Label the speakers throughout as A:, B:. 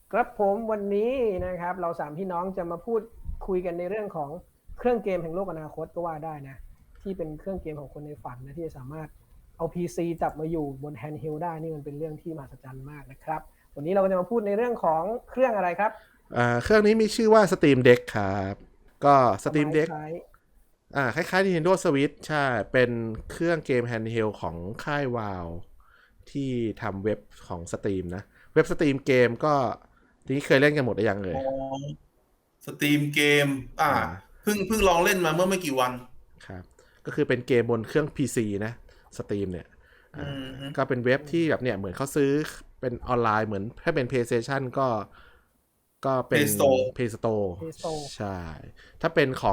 A: ครับผมวันนี้นะครับเราสามพี่น้องจะมาพูดคุยกันในเรื่องของเครื่องเกมแห่งโลกอนาคตก็ว่าได้นะที่เป็นเครื่องเกมของคนในฝันนะที่จะสามารถเอา PC จับมาอยู่บนแฮนด์เฮลได้นี่มันเป็นเรื่องที่มหัศจรรย์มากนะครับวันนี้เราก็จะมาพูดในเรื่องของเครื่องอะไรครับ
B: เครื่องนี้มีชื่อว่า Steam Deck ครับก็
A: สมั
B: Steam
A: ย
B: Deck
A: คล้าย
B: คล้ายๆ Nintendo Switch ใช่เป็นเครื่องเกม handheld ของค่าย Valve ที่ทำเว็บของ Steam นะเว็บ Steam เกมก็ทีนี้เคยเล่นกันหมดหรือยังเล
C: อ๋
B: ย
C: อสตรีมเกม
B: อ่า
C: เพิ่งลองเล่นมาเมื่อไม่กี่วัน
B: ครับก็คือเป็นเกมบนเครื่อง PC นะ Steam เนี่ย
C: อื
B: อ่า
C: ม
B: ก็เป็นเว็บที่แบบเนี่ยเหมือนเขาซื้อเป็นออนไลน์เหมือนถ้าเป็น PlayStation ก็เป็น
C: เพย์สโตร์
B: Play Store
A: เพโซ
B: ใช่ ถ้าเป็นของ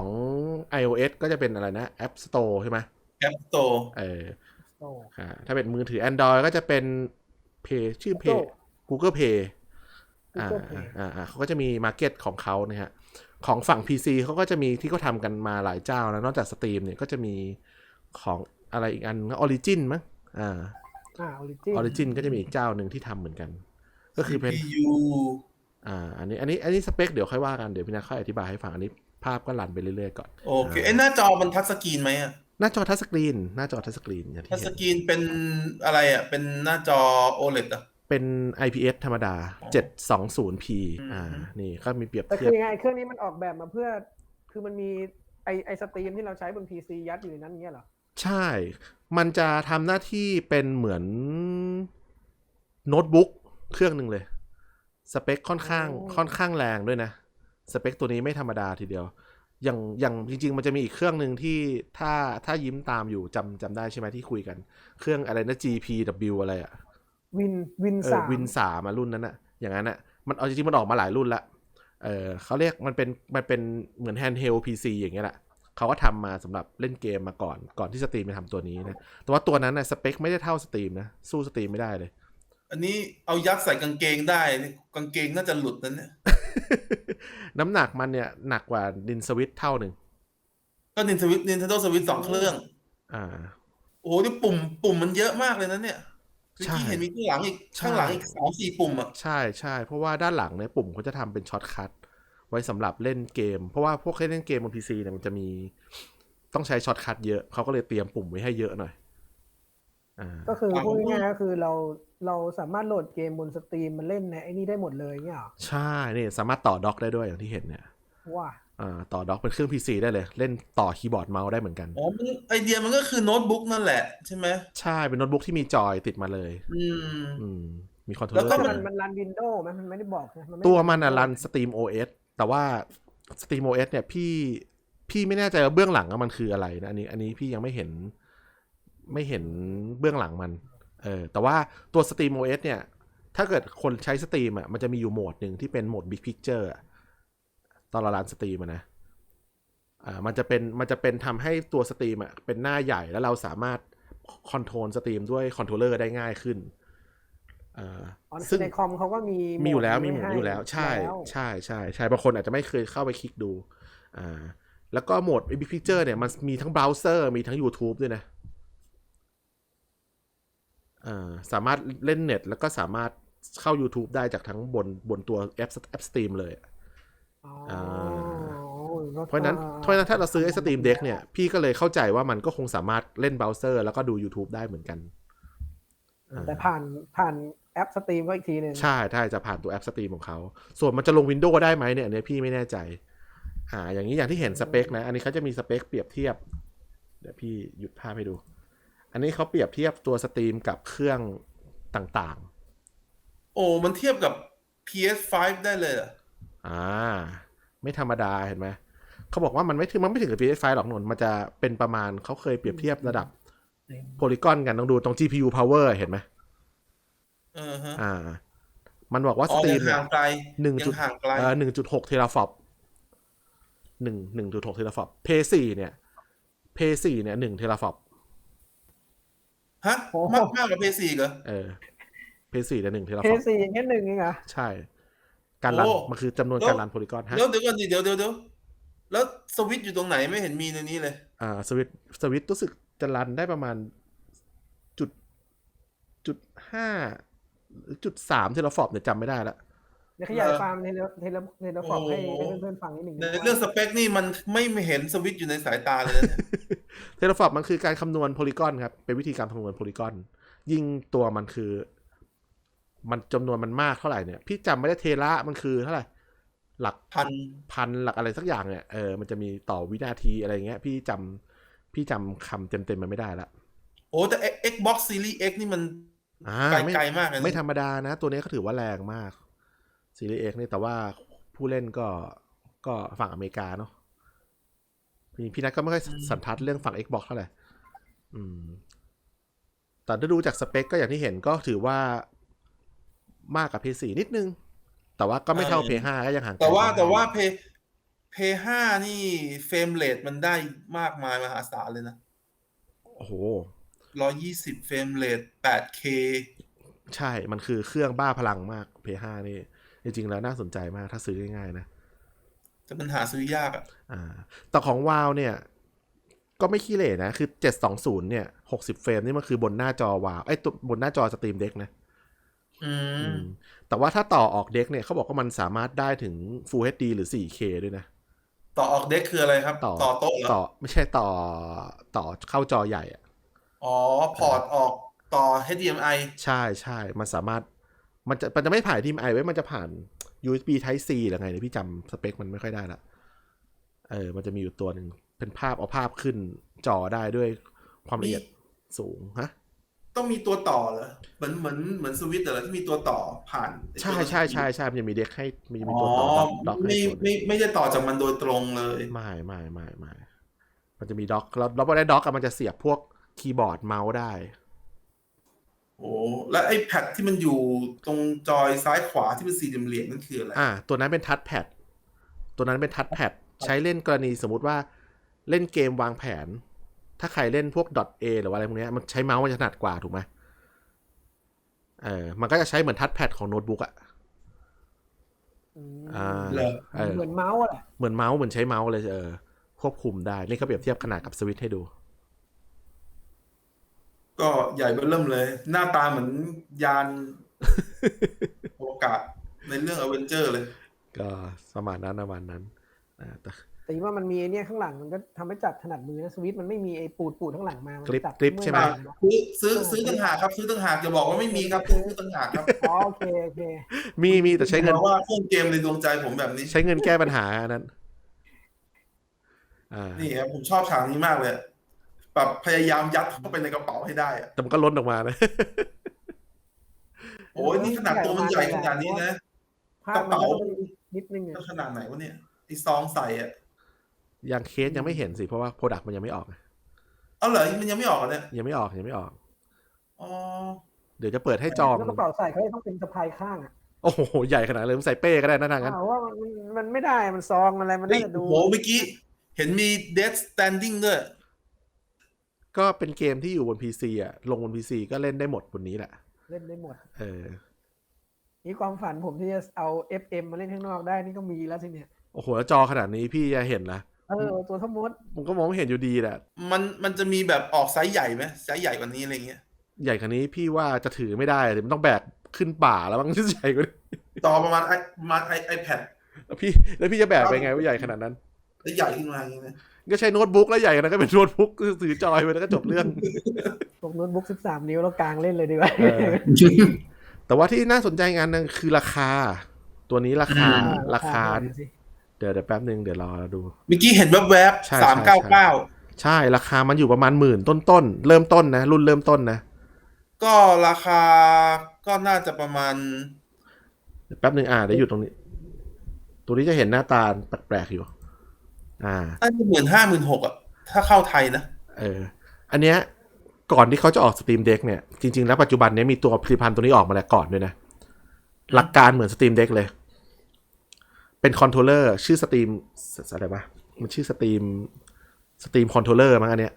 B: iOS ก็จะเป็นอะไรนะ App Store ใช่ไหม
C: แอปสโตร์
B: เออ
A: โต
B: ถ้าเป็นมือถือ Android ก็จะเป็น Play ชื่อ Play
A: Google
B: Google Play อ่า
A: Google Play
B: เขาก็จะมี Market ของเขานะฮะของฝั่ง PC เขาก็จะมีที่เขาทำกันมาหลายเจ้าแล้วนอกจาก Steam เนี่ยก็จะมีของอะไรอีกอัน Origin มั้งอ่า
A: ออริจิน
B: Origin ก็จะมีอีกเจ้าหนึ่งที่ทำเหมือนกันก็คือเป็น
C: CPU
B: อันนี้สเปคเดี๋ยวค่อยว่ากันเดี๋ยวพี่นาค่อยอธิบายให้ฟังอันนี้ภาพก็รันไปเรื่อยๆก่อน
C: โอเคหน้าจอมันทัชสกรีนไหมอ่ะ
B: หน้าจอทัชสกรีนอย่าง
C: ทั
B: ที่เห็น
C: ชสกรีนเป็นอะไรอ่ะเป็นหน้าจอ OLED อ่ะ
B: เป็น IPS ธรรมดา
C: อ๋อ
B: 720p
C: อืม
B: นี่ก็มีเปรียบ
A: แต่
B: เทียบ
A: คือยังไงเครื่องนี้มันออกแบบมาเพื่อคือมันมีไอสตรีมที่เราใช้บน PC ยัดอยู่ในนั้นเงี้ยเหรอ
B: ใช่ มันจะทำหน้าที่เป็นเหมือนโน้ตบุ๊กเครื่องหนึ่งเลยสเปคค่อน
A: อ๋
B: ข้างค่อน
A: อ
B: ข้างแรงด้วยนะสเปคตัวนี้ไม่ธรรมดาทีเดียวอย่างจริงๆมันจะมีอีกเครื่องหนึ่งที่ถ้ายิ้มตามอยู่จำได้ใช่ไหมที่คุยกันเครื่องอะไรนะ GPW อะไรอะ
A: วินวินสาม
B: วินสามรุ่นนั้นอะอย่างนั้นอะมันเอาจริงๆมันออกมาหลายรุ่นละเขาเรียกมันเป็นเหมือนแฮนด์เฮลพีซีอย่างเงี้ยแหละเขาก็ทำมาสำหรับเล่นเกมมาก่อนที่สตรีมจะทำตัวนี้นะแต่ว่าตัวนั้นนะสเปคไม่ได้เท่าสตรีมนะสู้สตรีมไม่ได้เลย
C: อันนี้เอายัดใส่กางเกงได้นี่กางเกงน่าจะหลุดนั่นเนี่ย
B: น้ำหนักมันเนี่ยหนักกว่าดินสวิตเท่าหนึ่ง
C: ก็ Nintendo Switch สองเครื่อง
B: อ่า
C: โอ้โหนี่ปุ่มมันเยอะมากเลยนะเนี่ยเมื่อ
B: ใช่
C: กี้เห็นมีข้าง
B: ใช่
C: หลังอีก3-4ปุ่มอ่ะ
B: ใช่เพราะว่าด้านหลังเนี่ยปุ่มเขาจะทำเป็นช็อตคัทไว้สำหรับเล่นเกมเพราะว่าพวกเล่นเกมบนพีซีเนี่ยมันจะมีต้องใช้ช็อตคัทเยอะเขาก็เลยเตรียมปุ่มไว้ให้เยอะหน่อยอ่า
A: ก็คือ
C: อ่า
A: พูดง่ายๆก็คือเราสามารถโหลดเกมบนสตรีมมันเล่นในไอ้นี่ได้หมดเลยเงี้ยเหรอ
B: ใช่นี่สามารถต่อด็อกได้ด้วยอย่างที่เห็นเนี่ย
A: ว่า
B: ต่อด็อกเป็นเครื่องพีซีได้เลยเล่นต่อคีย์บอร์ดเมาส์ได้เหมือนกัน
C: ไอเดียมันก็คือโน้ตบุ๊กนั่นแหละใช่ไหม
B: ใช่เป็นโน้ตบุ๊กที่มีจอยติดมาเลย
C: อื
B: อื
C: ม
B: มมีคอนโทรล
C: แล้วก็
B: เลอร์ติดมา
A: มันรันวินโดว์ไหมมันไม่ได้บอกนะมันไม่
B: ตัว
A: ได้รัน
B: มันรัน
A: วินโดว์
B: Steam OS แต่ว่า Steam OS เนี่ยพี่ไม่แน่ใจว่าเบื้องหลังมันคืออะไรนะอันนี้พี่ยังไม่เห็นเบื้องหลังมันแต่ว่าตัว Steam OS เนี่ยถ้าเกิดคนใช้ Steam อ่ะมันจะมีอยู่โหมดหนึ่งที่เป็นโหมด Big Picture ตอนเรารัน Steam นะมันจะเป็นทำให้ตัว Steam อ่ะเป็นหน้าใหญ่แล้วเราสามารถคอนโทรล Steam ด้วยคอนโทรลเลอร์ได้ง่ายขึ้น
A: อ๋อคื
B: ซึ่ง
A: อในคอมเขาก็มีโหมด
B: มีอยู่แล้ว
A: นี้ไว้ให้
B: มีหมุนอยู่แล้วใช่
A: แล้ว
B: ใช่บางคนอาจจะไม่เคยเข้าไปคลิกดูอ่าแล้วก็โหมด Big Picture เนี่ยมันมีทั้งเบราว์เซอร์มีทั้ง YouTube ด้วยนะสามารถเล่นเน็ตแล้วก็สามารถเข้า YouTube ได้จากทั้งบนตัวแอป Steam เลย
A: อ๋อ
B: อ่า
A: ก็
B: เพราะฉะนั้นถ้าเราซื้อไอ้ Steam Deck เนี่ยพี่ก็เลยเข้าใจว่ามันก็คงสามารถเล่นเบราว์เซอร์แล้วก็ดู YouTube ได้เหมือนกัน
A: แต่ผ่านแอปสตรีมก็อีกทีหนึ่ง
B: ใช่จะผ่านตัวแอป Steam ของเขาส่วนมันจะลง Windows ได้ไหมเนี่ยอันนี้พี่ไม่แน่ใจ อย่างที่เห็นสเปคนะอันนี้เขาจะมีสเปคเปรียบเทียบเดี๋ยวพี่หยุดภาพให้ดูอันนี้เขาเปรียบเทียบตัวสตรีมกับเครื่องต่าง
C: โอ้มันเทียบกับ PS5 ได้เลยเหรอ
B: ๆไม่ธรรมดาเห็นไหมเขาบอกว่ามันไม่ถึงกับ PS5 หรอกนนมันจะเป็นประมาณเขาเคยเปรียบเทียบระดับโพลีกอนกันต้องดูตรง GPU power เห็นไหม
C: เออฮะ
B: อ่ามันบอกว่า
C: อ๋อยั
B: สตรีมเนี่ย
C: งห่างไกล
B: หนึ่งจุด
C: ยังห่างไกล
B: 1.6เทราฟลอป1.6เทราฟลอปเพย์4เนี่ย1เทราฟลอป
C: ฮะ
A: โอ้
C: มากกว่า PS4 เหรอ
B: เออ เพย์4เนี่ย1เทรา
A: เพ
B: ฟลอป
A: ย์สี่อย่างแค่หนึ่งเองเหรอ
B: ใช่การ
C: โอ้
B: รันมันคือจำนวน
C: แล้ว
B: การรันโพลีกอนฮะ
C: แล้วเดี๋ยวก่อนดิเดี๋ยวแล้วสวิตช์อยู่ตรงไหนไม่เห็นมีในนี้เลย
B: สวิตรู้สึกจะรันได้ประมาณจุดจุด5 หรือจุด3เทราฟลอปเนี่ยจำไม่ได้ละ
A: เดี๋ยวขยายความเทเลฟอร์มให้เพื่อนๆฟังนิดหนึ่ง
C: ในเรื่องสเปคนี่มันไม่เห็นสวิตช์อยู่ในสายตาเลยนะเนี่ย
B: เทเลฟอร์มมันคือการคำนวณโพลีกอนครับเป็นวิธีการคำนวณโพลีกอนยิ่งตัวมันคือมันจำนวนมันมากเท่าไหร่เนี่ยพี่จำไม่ได้เทระมันคือเท่าไหร่หลัก พันหลักอะไรสักอย่างเนี่ยมันจะมีต่อวินาทีอะไรเงี้ยพี่จำคำเต็มมันไม่ได้ละ
C: โอ้แต่ Xbox Series X นี่มันไกลมากเลยนะ
B: ไม่ธรรมดานะ ตัวนี้เขาถือว่าแรงมากซีรีส์ X นี่แต่ว่าผู้เล่นก็ฝั่งอเมริกาเนาะพี่นัทก็ไม่ค่อยสันทัดเรื่องฝั่ง Xbox เท่าไหร่แต่ถ้าดูจากสเปคก็อย่างที่เห็นก็ถือว่ามากกับ PS4 นิดนึง แต่ว่าก็ไม่เท่า PS5 ก็ยังห่างไกล
C: แต่ว่าเพย์5นี่เฟรมเรทมันได้มากมายมหาศาลเลยนะ
B: โอ้โห
C: 120 เฟรมเรท 8K
B: ใช่ มันคือเครื่องบ้าพลังมาก PS5 นี่จริงๆแล้วน่าสนใจมากถ้าซื้อง่ายๆนะ
C: แต่มันหาซื้อยากอ่ะ
B: แต่ของวาวเนี่ยก็ไม่ขี้เหร่นะคือ720เนี่ย60เฟรมนี่มันคือบนหน้าจอวาวตัวบนหน้าจอสตรีมเด็กนะแต่ว่าถ้าต่อออกเด็กเนี่ยเขาบอกว่ามันสามารถได้ถึง Full HD หรือ 4K ด้วยนะ
C: ต่อออกเด็กคืออะไรครับ ต่อโต๊ะเหรอ
B: ไม่ใช่ต่อเข้าจอใหญ่อ่ะ
C: พอร์ตออกต่อ HDMI
B: ใช่มันสามารถมันจะไม่ผ่าน HDMI ไว้มันจะผ่าน USB Type C หรือไงเนี่ยพี่จำสเปคมันไม่ค่อยได้ละมันจะมีอยู่ตัวหนึ่งเป็นภาพเอาภาพขึ้นจอได้ด้วยความละเอียดสูงฮะ
C: ต้องมีตัวต่อเหรอเหมือนสวิตช์เหรอที่มีตัวต่อผ่าน
B: ใช่มันจะมีเด็กให้มันจะมีตัวต่อด็อก
C: ไม่ได้ต่อจากมันโดยตรงเลย
B: ไม่มันจะมีด็อกแล้วพอได้ด็อกมันจะเสียบพวกคีย์บอร์ดเมาส์ได้
C: โอ้แล้วไอ้แพดที่มันอยู่ตรงจอยซ้ายขวาที่เป็นสี่เหลี่ยมนั่นคืออะไร
B: ตัวนั้นเป็นทัชแพดใช้เล่นกรณีสมมุติว่าเล่นเกมวางแผนถ้าใครเล่นพวก .A หรือว่าอะไรพวกนี้มันใช้เมาส์มันจะถนัดกว่าถูกไหมมันก็จะใช้เหมือนทัชแพดของโน้ตบุ๊ก
A: เหมือนเมาส์แหละ
B: เหมือนเมาส์เหมือนใช้เมาส์เลยควบคุมได้นี่เขาเปรียบเทียบขนาดกับสวิตช์ให้ดู
C: ก็ใหญ่เบ้อเริ่มเลยหน้าตาเหมือนยานโอกาสในเรื่องอเวนเจอร์เลย
B: ก็ประมาณนั้น
A: แต่ว่ามันมีเนี่ยข้างหลังมันก็ทำให้จับถนัดมือนะสวิตช์มันไม่มีไอ้ปูดข้างหลังมา
B: กริปใช่ไหม
C: ซื้อต่างหากครับซื้อต่างหากจะบอกว่าไม่มีครับซื้อต่างหากครับ
A: โอเค
B: มีแต่ใช้เงิน
C: เพราะว่าเครื่องเกมในดวงใจผมแบบนี้
B: ใช้เงินแก้ปัญหานั้น
C: นี่ครับผมชอบฉากนี้มากเลยแบบพยายามยัดเข้าไปในกระเป๋าให้ได้
B: แต่มันก็ล้นออกมานะ
C: โอ้ยนี่ขนาดตัวมันใหญ่ขนาดนี้นะกระเป๋า
A: นิดนึง
C: ขนาดไหนวะเนี่ยไอซองใส่
B: ยังเคสยังไม่เห็นสิเพราะว่าโปรดักต์มันยังไม่ออก
C: เอาเหรอมันยังไม่ออกเนี่ย
B: ยังไม่ออกเดี๋ยวจะเปิดให้จอง
A: แล้วกระเป๋าใส่เขาต้องเป็นสะพายข้าง
B: โอ้โหใหญ่ขนาดเลยใส่เป้ก็ได้นะทางนั้น
A: ว่ามันไม่ได้มันซองอะไรมันได้ดู
C: โหเมื่อกี้เห็นมี Death Standing ด้วย
B: ก็เป็นเกมที่อยู่บน PC ลงบน PC ก็เล่นได้หมดบนนี้แหละ
A: เล่นได้หมดนี่ความฝันผมที่จะเอา FM มาเล่นข้างนอกได้นี่ก็มีแล้วสิเนี่ย
B: โอ้โหแล้วจอขนาดนี้พี่จะเห็นนะ
A: ตัวทั้งหมด
B: ผมก็มองไม่เห็นอยู่ดีแหละ
C: มันจะมีแบบออกไซส์ใหญ่ไหมไซส์ใหญ่กว่านี้อะไรเงี้ย
B: ใหญ่กว่านี้พี่ว่าจะถือไม่ได้เลยมันต้องแบกขึ้นป่าแล้วมั้งใหญ่กว่านี้
C: ต่อประมาณiPad
B: แล้วพี่จะแบกไปไงว่าใหญ่ขนาดนั้น
C: แล้วใหญ่ขึ้นมาอย่างนี้
B: ก็ใช้โน้ตบุ๊กแล้วใหญ่นะก็เป็นโน้ตบุ๊กถือจอยไปแล้วก็จบเรื่อง
A: พวกโน้ตบุ๊ก13 นิ้วแล้วกลางเล่นเลยดีกว่า
B: แต่ว่าที่น่าสนใจงานนึงคือราคาตัวนี้ราคาเดี๋ยวแป๊บนึงเดี๋ยวรอดู
C: เมื่อกี้เห็นแวบๆ399
B: ใช่ราคามันอยู่ประมาณ10,000ต้นเริ่มต้นนะรุ่นเริ่มต้นนะ
C: ก็ราคาก็น่าจะประมาณ
B: แป๊บนึงเดี๋ยวอยู่ตรงนี้ตัวนี้จะเห็นหน้าตาแปลกๆอยู่
C: อันนี้15,000-16,000ถ้าเข้าไทยนะ
B: อันเนี้ยก่อนที่เขาจะออก Steam Deck เนี่ยจริงๆแล้วปัจจุบันนี้มีตัวผลิตภัณฑ์ตัวนี้ออกมาแล้วก่อนด้วยนะหลักการเหมือน Steam Deck เลยเป็นคอนโทรลเลอร์ชื่อ Steam อะไรวะมันชื่อ Steam Controller มั้งอันเนี้ย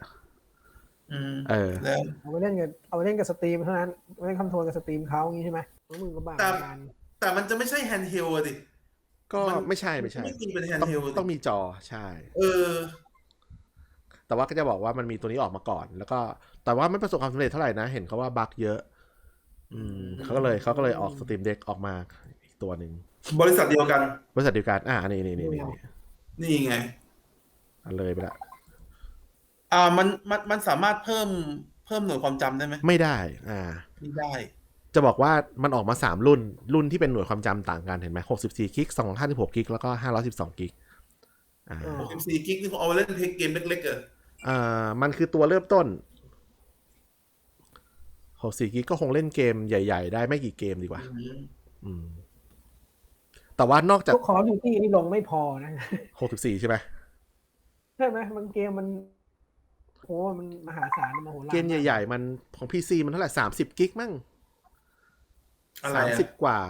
A: เอาไปเล่นกับสตรีมเท่านั้นไม่ได้คอนโทรลกับสตรีมเขาอย่างงี้ใช่ไหมมือก็บ้า
C: แต่มันจะไม่ใช่แฮนด์เฮลด์ดิ
B: ก็ไม่ใช่ต้องมีจอใช่แต่ว่าก็จะบอกว่ามันมีตัวนี้ออกมาก่อนแล้วก็แต่ว่าไม่ประสบความสำเร็จเท่าไหร่นะเห็นเขาว่าบั๊กเยอะเขาก็เลยออก Steam Deck ออกมาอีกตัวหนึ่ง
C: บริษัทเดียวกัน
B: บริษัทเดียวกันนี่
C: นี่ไง
B: เลยไปละ
C: มันสามารถเพิ่มหน่วยความจำได้ไหม
B: ไม่ได้
C: ไม่ได้
B: จะบอกว่ามันออกมา3รุ่นที่เป็นหน่วยความจำต่างกันเห็นไหม64กิก256กิกแล้วก็512กิก
C: 64กิกนี่เขาเอาไว้เล่นเกมเล็กๆ
B: มันคือตัวเริ่มต้น64กิกก็คงเล่นเกมใหญ่ๆได้ไม่กี่เกมดีกว่าแต่ว่านอกจาก
A: พวกCall of Dutyนี่ลงไม่พอนะ
B: 64ใช่ไหม
A: ใช่ไหมบางเกมมันโอ้มันมหาศาลมโหฬาร
B: เกมใหญ่ๆมันของ PC มันเท่าไหร่30กิกมั้ง30กว่า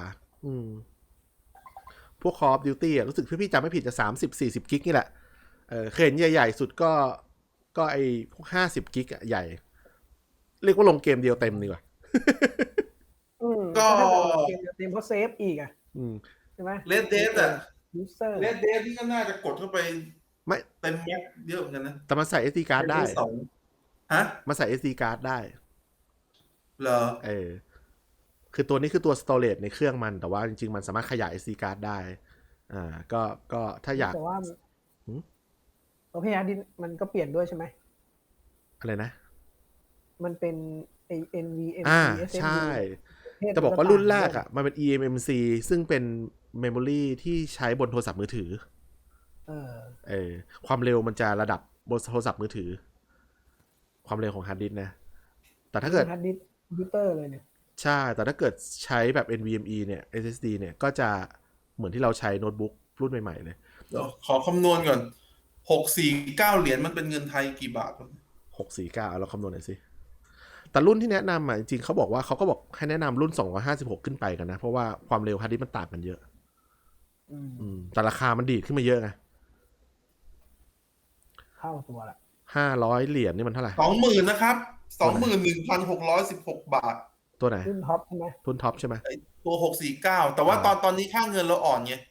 B: พวก Call of Duty รู้สึกพี่จำไม่ผิดจะ30-40กิกนี่แหละเคยเห็นใหญ่ๆสุดก็ไอ้พวก50กิกใหญ่เรียกว่าลงเกมเดียวเต็มดีกว่า
A: ก็เกมเดียวเต็มเพราะเซฟอีกใช่ไหม
C: Red Dead Red Dead นี่ก็น่าจะกดเข้าไป
B: ไม่
C: เต็มแม็กเยอะเหมือนกันนะ
B: แต่มันใส่ SD card ได้
C: ฮะ
B: มันใส่ SD card ได้
C: เหรอ
B: คือตัวนี้คือตัว storage ในเครื่องมันแต่ว่าจริงๆมันสามารถขยาย SD card ได้ก็ถ้าอยาก
A: แต่ว่าตัวพี่ฮาร์ดดิสก์มันก็เปลี่ยนด้วยใช่ไหม
B: อะไรนะ
A: มันเป็นไอ้ NVMe
B: ใช่จะบอกว่ารุ่นแรกมันเป็น eMMC ซึ่งเป็นเมมโมรีที่ใช้บนโทรศัพท์มือถือความเร็วมันจะระดับบนโทรศัพท์มือถือความเร็วของฮาร์ดดิสก์นะแต่ถ้าเกิด
A: ฮาร์ดดิสก์คอมพิวเตอร์เลยเนี่ย
B: ใช่แต่ถ้าเกิดใช้แบบ NVMe เนี่ย SSD เนี่ยก็จะเหมือนที่เราใช้โน้ตบุ๊กรุ่นใหม่ๆเลย
C: ขอคำนวณก่อน649เหรียญมันเป็นเงินไทยกี่บาท
B: 649เราคำนวณหน่อยสิแต่รุ่นที่แนะนำจริงๆเขาบอกให้แนะนำรุ่น256ขึ้นไปกันนะเพราะว่าความเร็วฮาร์ดดิสก์มันต่างกันเยอะแต่ราคามันดีดขึ้นมาเยอะไง
A: เข้าตัวละ
B: 500เหรียญนี่มันเท่าไหร่
C: 20,000นะครับ 21,616 บาท
B: ตัวไหน
A: รุ่นท็อปใช่ไหม
B: รุ่นท็อปใช่ไหม
C: ตัว649แต่ว่าตอนนี้ค่าเงินเราอ่อนไง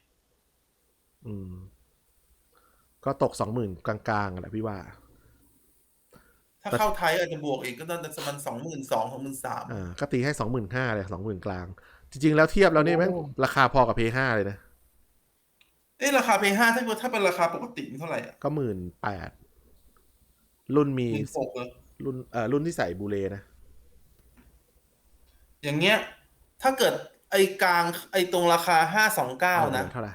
B: ก็ตก 20,000 กลางๆแหละพี่ว่า
C: ถ้าเข้าไทยอาจจะบวกอีกก็น่าจะประมาณ22,000-23,000
B: ก็ตีให้ 25,000 เลย 20,000 กลางจริงๆแล้วเทียบแล้วนี่แม่งราคาพอกับ P5 เลยนะ
C: ราคา P5 ถ้าเป็นราคาปกติมันเท่าไหร่
B: ก็ 18,000 รุ่นมีรุ่นที่ใส่บูเลนะ
C: อย่างเงี้ยถ้าเกิดไอ้กลางไอ้ตรงราคา529นะ
B: เท่าไหร่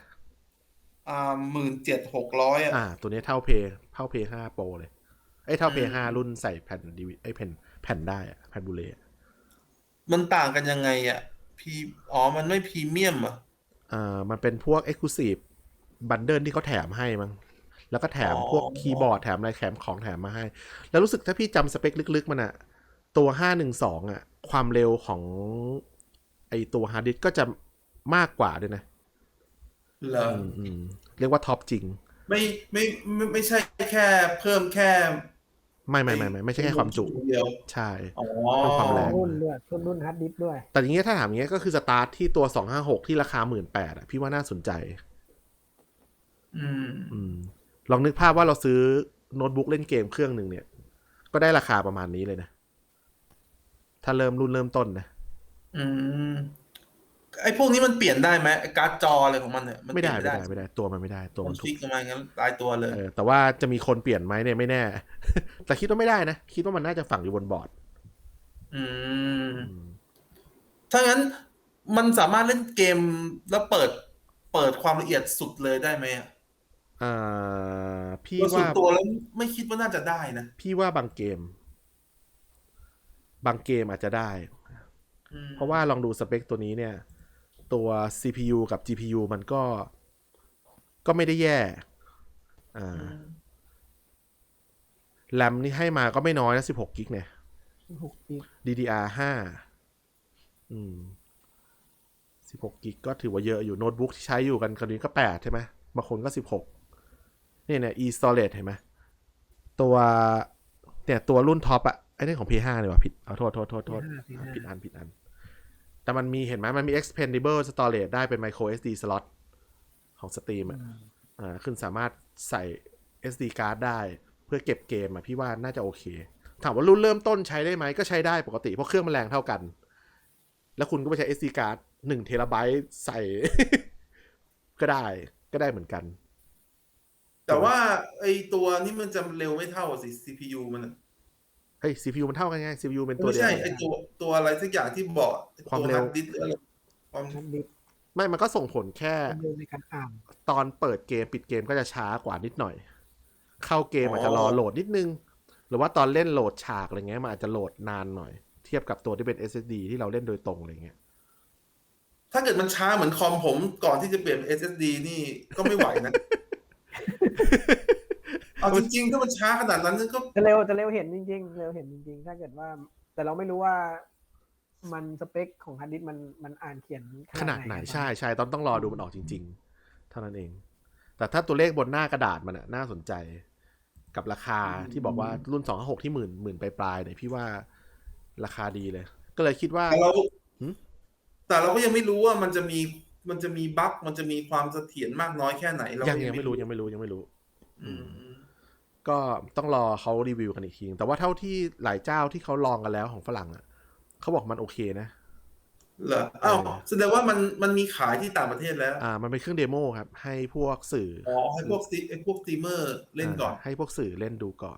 C: 17,600
B: ตัวนี้เท่า P5 Pro เลยเท่า P5 รุ่นใส่แผ่นแผ่นได้แผ่นบูเล
C: มันต่างกันยังไงมันไม่พรีเมียม
B: มันเป็นพวก Exclusive Bundle ที่เขาแถมให้มั้งแล้วก็แถมพวกคีย์บอร์ดแถมอะไรของแถมมาให้แล้วรู้สึกถ้าพี่จำสเปคลึกๆมันตัว512ความเร็วของไอตัวฮาร์ดดิสก์ก็จะมากกว่าด้วยนะ
C: เหรอ
B: เรียกว่าท็อปจริง
C: ไม่ใช่แค่เพิ่มแค่
B: ไม่ใช่แค่ความจุ
C: เดียว
B: ใช่เป็นความแรง
A: รุ่นฮาร์ดดิสก์ด้วย
B: แต่อย่างเงี้ยถ้าถามอย่างเงี้ยก็คือสตาร์ทที่ตัว256ที่ราคา 18,000 พี่ว่าน่าสนใจลองนึกภาพว่าเราซื้อโน้ตบุ๊กเล่นเกมเครื่องหนึ่งเนี่ยก็ได้ราคาประมาณนี้เลยนะถ้ารุ่นเริ่มต้นนะ
C: ไอ้พวกนี้มันเปลี่ยนได้ไหมการ์ดจออะไรของมันเนี่ย
B: ไม่ได้ตัวมันไม่ได้ตัวมัน
C: ถูกมางั้นตายตัวเลย
B: แต่ว่าจะมีคนเปลี่ยนไหมเนี่ยไม่แน่แต่คิดว่าไม่ได้นะคิดว่ามันน่าจะฝังอยู่บนบอร์ด
C: ถ้างั้นมันสามารถเล่นเกมแล้วเปิดความละเอียดสุดเลยได้ไหม
B: พี่ว่า
C: ตัวแล้วไม่คิดว่าน่าจะได้นะ
B: พี่ว่าบางเกมอาจจะได้เพราะว่าลองดูสเปคตัวนี้เนี่ยตัว CPU กับ GPU มันก็ไม่ได้แย่แรมนี่ให้มาก็ไม่น้อยนะ16กิกเนี่ยDDR5 16กิกก็ถือว่าเยอะอยู่โน้ตบุ๊กที่ใช้อยู่กันคนนี้ก็8ใช่ไหมบางคนก็16เนี่ย e-storage เห็นไหมตัวรุ่นท็อปไอ้นี่ของ P5 เลยว่ะผิดโทษผิดอันแต่มันมีเห็นไหมมันมี expandable storage ได้เป็น micro SD slot ของ Steam ขึ้นสามารถใส่ SD card ได้เพื่อเก็บเกมพี่ว่าน่าจะโอเคถามว่ารุ่นเริ่มต้นใช้ได้ไหมก็ใช้ได้ปกติเพราะเครื่องมันแรงเท่ากันแล้วคุณก็ไปใช้ SD card 1 เทราไบต์ใส่ก็ได้เหมือนกัน
C: แต่ว่าไอตัวนี้มันจะเร็วไม่เท่าสิ CPU มันอะ
B: เฮ้ย CPU มันเท่ากันไง CPU เป็นตัว
C: ไม่
B: เดียว
C: ใช่
B: กัน
C: ไอตัวอะไรสักอย่างที่บอกไอ้
B: ความ
C: ตัว
B: เร็
C: ฮาว ร์ดดิสก์หรืออะไรความ
A: นัดดิบ
B: ไม่มันก็ส่งผลแค่
A: ความเร็วในการอ่าน
B: ตอนเปิดเกมปิดเกมก็จะช้ากว่านิดหน่อย เข้าเกมอาจจะรอโหลดนิดนึง หรือว่าตอนเล่นโหลดฉากอะไรเงี้ยมันอาจจะโหลดนานหน่อย เทียบกับตัวที่เป็น SSD ที่เราเล่นโดยตรงอะไรเงี้ย
C: ถ้าเกิดมันช้าเหมือนคอมผมก่อนที่จะเปลี่ยนเป็น SSD นี่ก็ไม่ไหวนะ เอาจริงๆ ถ้ามันช้าขนาดนั้นก็
A: จะเร็วเห็นจริงๆเร็วเห็นจริงๆ ถ้าเกิดว่า แต่เราไม่รู้ว่ามันสเปคของฮาร์ดดิสก์มันอ่านเขียน
B: ขนาดไหนใช่ต้องรอดูมันออกจริง ๆ เท่านั้นเอง แต่ถ้าตัวเลขบนหน้ากระดาษมันน่าสนใจกับราคาที่บอกว่ารุ่น256ที่หมื่นปลายๆเนี่ยพี่ว่าราคาดีเลย ก็เลยคิดว่า
C: แต่เราก็ยังไม่รู้ว่ามันจะมีบั๊กมันจะมีความเสถียรมากน้อยแค่ไหนเรา
B: ยังไม่รู้
C: อืม
B: ก็ต้องรอเขารีวิวกันอีกทีแต่ว่าเท่าที่หลายเจ้าที่เขาลองกันแล้วของฝรั่งอ่ะเขาบอกมันโอเคนะ
C: เหรออ้าวแสดงว่ามันมีขายที่ต่างประเทศแล้ว
B: มันเป็นเครื่องเดโมครับให้พวกสื่อ
C: ให้พวกสตรีมเมอร์เล่นก่อน
B: ให้พวกสื่อเล่นดูก่อน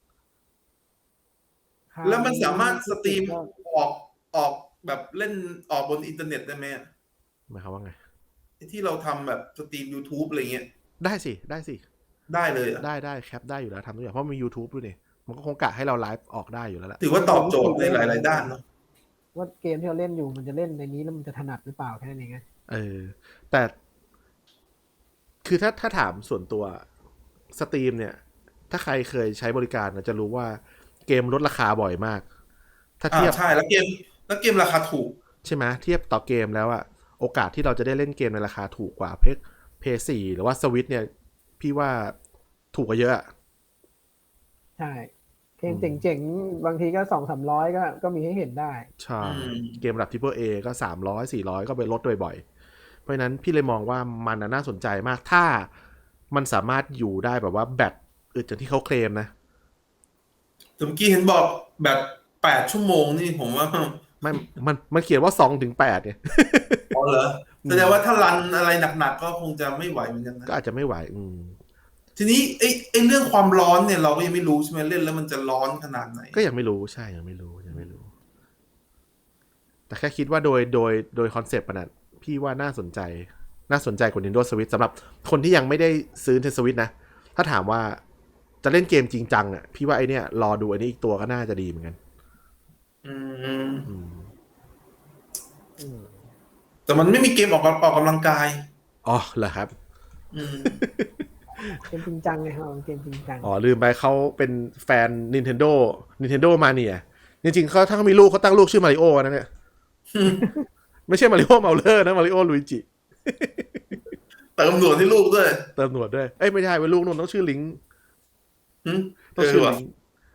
C: แล้วมันสามารถสตรีมออกแบบเล่นออกบนอินเทอร์เน็ตได้ไหม
B: หมายความว่าไง
C: ที่เราทำแบบสตรีม YouTube อะไรเงี้ย
B: ได้สิ
C: ได้เลยอ่ะ
B: ได้แคปได้อยู่แล้วทำทุกอย่างเพราะมี YouTube ด้วยนี่มันก็คงกะให้เราไลฟ์ออกได้อยู่แล้วแหละ
C: ถือว่าตอบโจทย์ในหลายๆด้านเนาะ
A: ว่าเกมที่เราเล่นอยู่มันจะเล่นในนี้แล้วมันจะถนัดหรือเปล่าแค่นั้นเองไง
B: แต่คือถ้าถามส่วนตัวสตรีมเนี่ย ถ้าใครเคยใช้บริการจะรู้ว่าเกมลดราคาบ่อยมาก ถ้าเทียบ
C: ใช่แล้วเกมราคาถูก
B: ใช่ไหมเทียบต่อเกมแล้วอะโอกาสที่เราจะได้เล่นเกมในราคาถูกกว่าเพย์4หรือว่าสวิตเนี่ยพี่ว่าถูกกว่าเยอะ
A: ใช่เกมเจ๋งๆบางทีก็200-300ก็มีให้เห็นได้
B: ใช่เกมระดับ Triple A ก็300-400ก็ไปลดบ่อยๆเพราะฉะนั้นพี่เลยมองว่ามันน่าสนใจมากถ้ามันสามารถอยู่ได้แบบว่าแบตอึดจากที่เขาเคลมนะ
C: แต่เมื่อกี้เห็นบอกแบบ8 ชั่วโมงนี่ผมว่า
B: ไม่มันเขียนว่า2-8เนี่ย
C: อ๋อเหรอแสดงว่าถ้ารันอะไรหนักๆก็คงจะไม่ไหวเหมือนกันนะ
B: ก็อาจจะไม่ไหว
C: ทีนี้ไอ้เรื่องความร้อนเนี่ยเราก็ยังไม่รู้ใช่ไหมเล่นแล้วมันจะร้อนขนาดไหน
B: ก็ยังไม่รู้ใช่ยังไม่รู้ แต่แค่คิดว่าโดยคอนเซปต์มันนะพี่ว่าน่าสนใจกว่า Nintendo Switch สำหรับคนที่ยังไม่ได้ซื้อ Nintendo Switch นะถ้าถามว่าจะเล่นเกมจริงจังอ่ะพี่ว่าไอเนี้ยรอดูอันนี้อีกตัวก็น่าจะดีเหมือนกัน
C: แต่มันไม่มีเกมออกกำลังกาย
B: อ๋อเหรอครับ
A: เกมจริงจังไงครับเกมจริงจัง
B: อ๋อลืมไปเขาเป็นแฟน Nintendo Mania จริงๆเขาถ้าเขามีลูกเขาตั้งลูกชื่อมาริโอนะเนี่ย ไม่ใช่มาริโอเมาเลอร์นะมาริโอลุยจิ
C: เติมหนวดให้ลูกด้วย
B: เติมหนวดด้วยไม่ใช่เป็นลูกนุ่นต้องชื่อลิง
C: ต้องชื่อลิง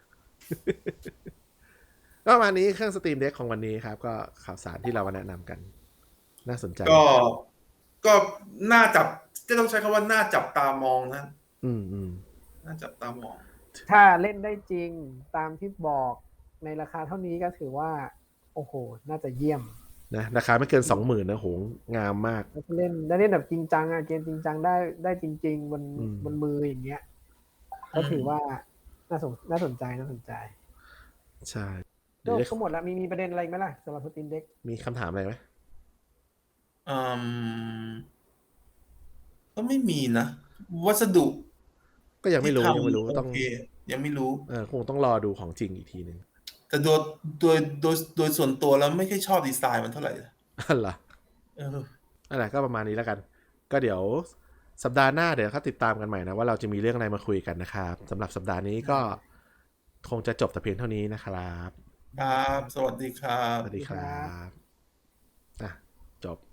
B: ก็ประมาณนี้เครื่องสตรีมเด็กของวันนี้ครับก็ข่าวสารที่เรามาแนะนำกันน่าสนใจ
C: ก็น่าจับก็ต้องใช้คำว่าน่าจับตามองนะน่าจับตามอง
A: ถ้าเล่นได้จริงตามที่บอกในราคาเท่านี้ก็ถือว่าโอ้โหน่าจะเยี่ยม
B: นะราคาไม่เกิน 20,000 นะโหงามมาก
A: เล่นแบบจริงจังเกมจริงจังได้จริงๆบนมืออย่างเงี้ยก็ถือว่าน่าสนใจ
B: ใช่
A: ก็หมดแล้วมีประเด็นอะไรไหมล่ะสำหรับสตรีมเด็ก
B: มีคำถามอะไรไหม
C: ก็ไม่มีนะวัสดุ
B: ก็ยังไม่รู้ต้อง
C: ยังไม่รู้
B: คงต้องรอดูของจริงอีกทีนึง
C: แต่โดยส่วนตัวแล้วไม่ค่อยชอบดีไซน์มันเท่าไหร่
B: เหรออะไรก็ประมาณนี้แล้วกันก็เดี๋ยวสัปดาห์หน้าเดี๋ยวเขาติดตามกันใหม่นะว่าเราจะมีเรื่องอะไรมาคุยกันนะครับสำหรับสัปดาห์นี้ก็คงจะจบแต่เพียงเท่านี้นะครับ
C: ครับสวัสดีครับ
B: จบ